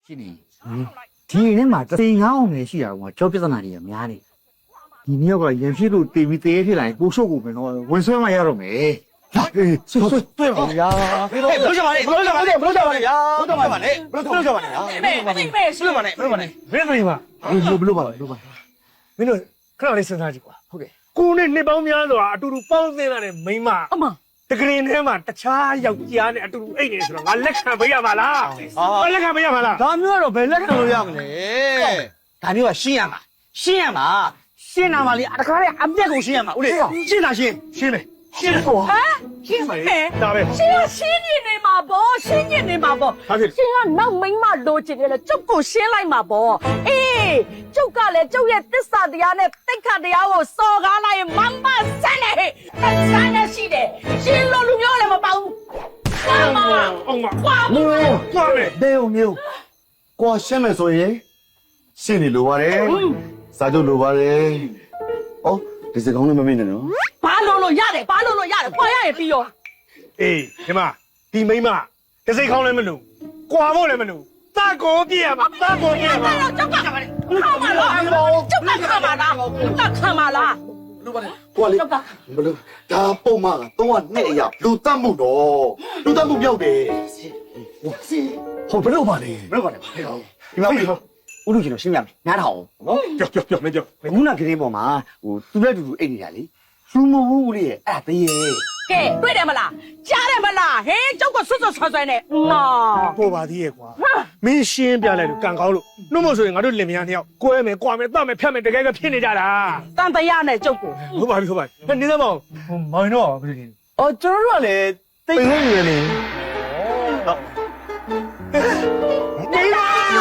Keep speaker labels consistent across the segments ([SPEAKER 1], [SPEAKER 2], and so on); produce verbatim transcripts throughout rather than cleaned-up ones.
[SPEAKER 1] ရှိနေဒီနေ့မှာတိမ်ငောင်းနေရှိတာကကြောပြဿနာတွေကများနေဒီနေ့ကရန်ဖြစ်လို့တေးပြီးတေးဖြစ်လာရင်ကိုရှုပ်ကိုပဲတော့ဝင်ဆွဲမှရတော့မယ်ဟာအေးဆွဲဆွဲတွေ့ပါဗျာဘလို့ကြပါနဲ့ဘလို့ကြပါနဲ့ဘလို့ကြပါနဲ့ဗျာဘလို့ကြပါနဲ့ဘလို့ကြပါနဲ့ဟာမေမေမေဆွဲပါနဲ့ဘလို့ပါနဲ့
[SPEAKER 2] ဘယ်လိုပါ
[SPEAKER 1] ဘလို့ဘလို့ပါဘလို့ပါ
[SPEAKER 2] မင်းတို့ခဏလေးစဉ်းစားကြည့်ကွာ
[SPEAKER 1] ဟုတ်ကဲ့
[SPEAKER 2] ကိုနဲ့နှစ်ပေါင်းများစွာအတူတူပေါင်းသင်းလာတဲ့မိန်းမ
[SPEAKER 3] အမ
[SPEAKER 2] တကရင်ထဲမှာတခြားယောက်ျားနဲ့အတူတူအိတ်နေဆိုတော့ငါလက်ခံပေးရမှာလားဟာလက်ခံပေးရမှာလား
[SPEAKER 1] ဒါမျိုးကတော့ဘယ်လက်ခံလို့ရမလဲဒါမျိုးကရှင်းရမှာရှင်းရမှာရှင်းတာမှလေတခါလေအပြက်ကိုရှင်းရမှာဦးလေးရှင်းတာရှင်းရှင်းမယ်ရှင်းဟော
[SPEAKER 3] ဟမ်ရှင်းမယ်
[SPEAKER 2] ဒါပဲ
[SPEAKER 3] ရှင်းရရှင်းနေနေမှာပေါ့ရှင်းနေနေမှာပေါ့ရှင်းကနောက်မိန်းမလိုချင်တယ်လေကျုပ်ကိုရှင်းလိုက်မှာပေါ့အေးကျုပ်ကလည်းကျုပ်ရဲ့တစ္ဆာတရားနဲ့တိတ်ခတ်တရားကိုစော်ကားလိုက်ရင်မမဆန်းနေဟဲ့ဆန်းနေရှိတယ်ရှင်းလို့လူမျိုးလည်းမပေါဘူးကွာမ
[SPEAKER 2] အောင်မ
[SPEAKER 3] ကွာမ
[SPEAKER 2] ကွာမယ်
[SPEAKER 1] ဒေုံမျိုးကွာရှင်းမယ်ဆိုရင်ရှင်းနေလိုပါတယ်စာချုပ်လိုပါတယ်ဩဒီစကောင်းလည်းမမေ့နဲ့နော်
[SPEAKER 3] ဘာလို့လို့ရတယ်ဘာလို့လို့ရတယ်ခွာရရင်ပြီးရော
[SPEAKER 2] အေးညီမဒီမိန်းမတစိတ်ခေါင်းလည်းမလို့ကွာဖို့လည်းမလို့တာကိုပြရမှာတာကိုပြရမှာ
[SPEAKER 3] တော့ကြောက်ကခါမလားကြောက်ကခါမလားကြောက်ကခါမလား
[SPEAKER 1] လူပါလေကိုလေဘလို့ဒါပုံမှန်ကတော့နှစ်အရာလူတတ်မှုတော့လူတတ်မှုပြောက်တယ်ဟိုဘလို့ပါလေဘလို့ပါလေဒီမှာဦးလူကျွန်တော်ရှင်းပြမယ်နားထောင်နော်
[SPEAKER 2] ပြောပြောပြောမပြော
[SPEAKER 1] ခုနကလေးပေါ်မှာဟိုသူလည်းတူတူအိတ်နေတာလေလူမဟုတ်ဘူးလေအဲ့ဒါတရေ
[SPEAKER 3] ကဲတွေ့တယ်မလားကြားတယ်မလားဟေးကြောက်ကဆွတ်ဆွတ်ဆွတ်ဆွဲနေနော်
[SPEAKER 2] ပေါ်ပါသေးရဲ့ကွာမင်းရှင်းပြလိုက်လို့ကန်ကောင်းလို့နှုတ်မဆိုရင်ငါတို့လင်မယားနှစ်ယောက်ကွဲမယ်ကွာမယ်တတ်မယ်ဖြတ်မယ်တကယ်ကဖြစ်နေကြတာ
[SPEAKER 3] တန်တရားနဲ့ကြောက်ကို
[SPEAKER 2] ဟုတ်ပါပြီဟုတ်ပါပြီနေသမအောင်မောင်တော့ဘယ်လိုလဲ
[SPEAKER 1] အော်ကျွန်တော်တို့ကလည်းတိတ်နေနေလေဟုတ်
[SPEAKER 3] နေလာ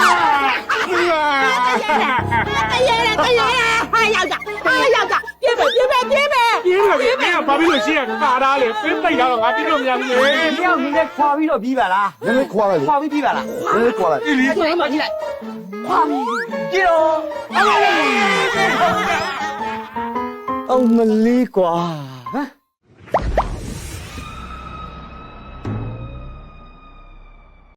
[SPEAKER 3] တရေတရေဟာရောက်ကြဟာရောက်ကြပြေးမယ်ပြေးမယ်ပြေးမယ်
[SPEAKER 2] ပြေးမယ်ပြေးမယ်ဘာဖြစ်လို့ရှင်းရတာဒါလေပြင်းတိုက်တာတော့ငါပြလို့မရဘူးလေ
[SPEAKER 1] တယောက်နည်းနည်းခွာပြီးတော့ပြီးပါလားနည်းနည်းခွာလိုက်ခွာပြီးပြီးပါလားနည်းနည်းခွာလိုက်
[SPEAKER 3] ဒီလေးဆိုရင်မကြည့်လိုက်ခွာပြီး
[SPEAKER 1] ကြည့်တော့အမလေးကွာဟမ်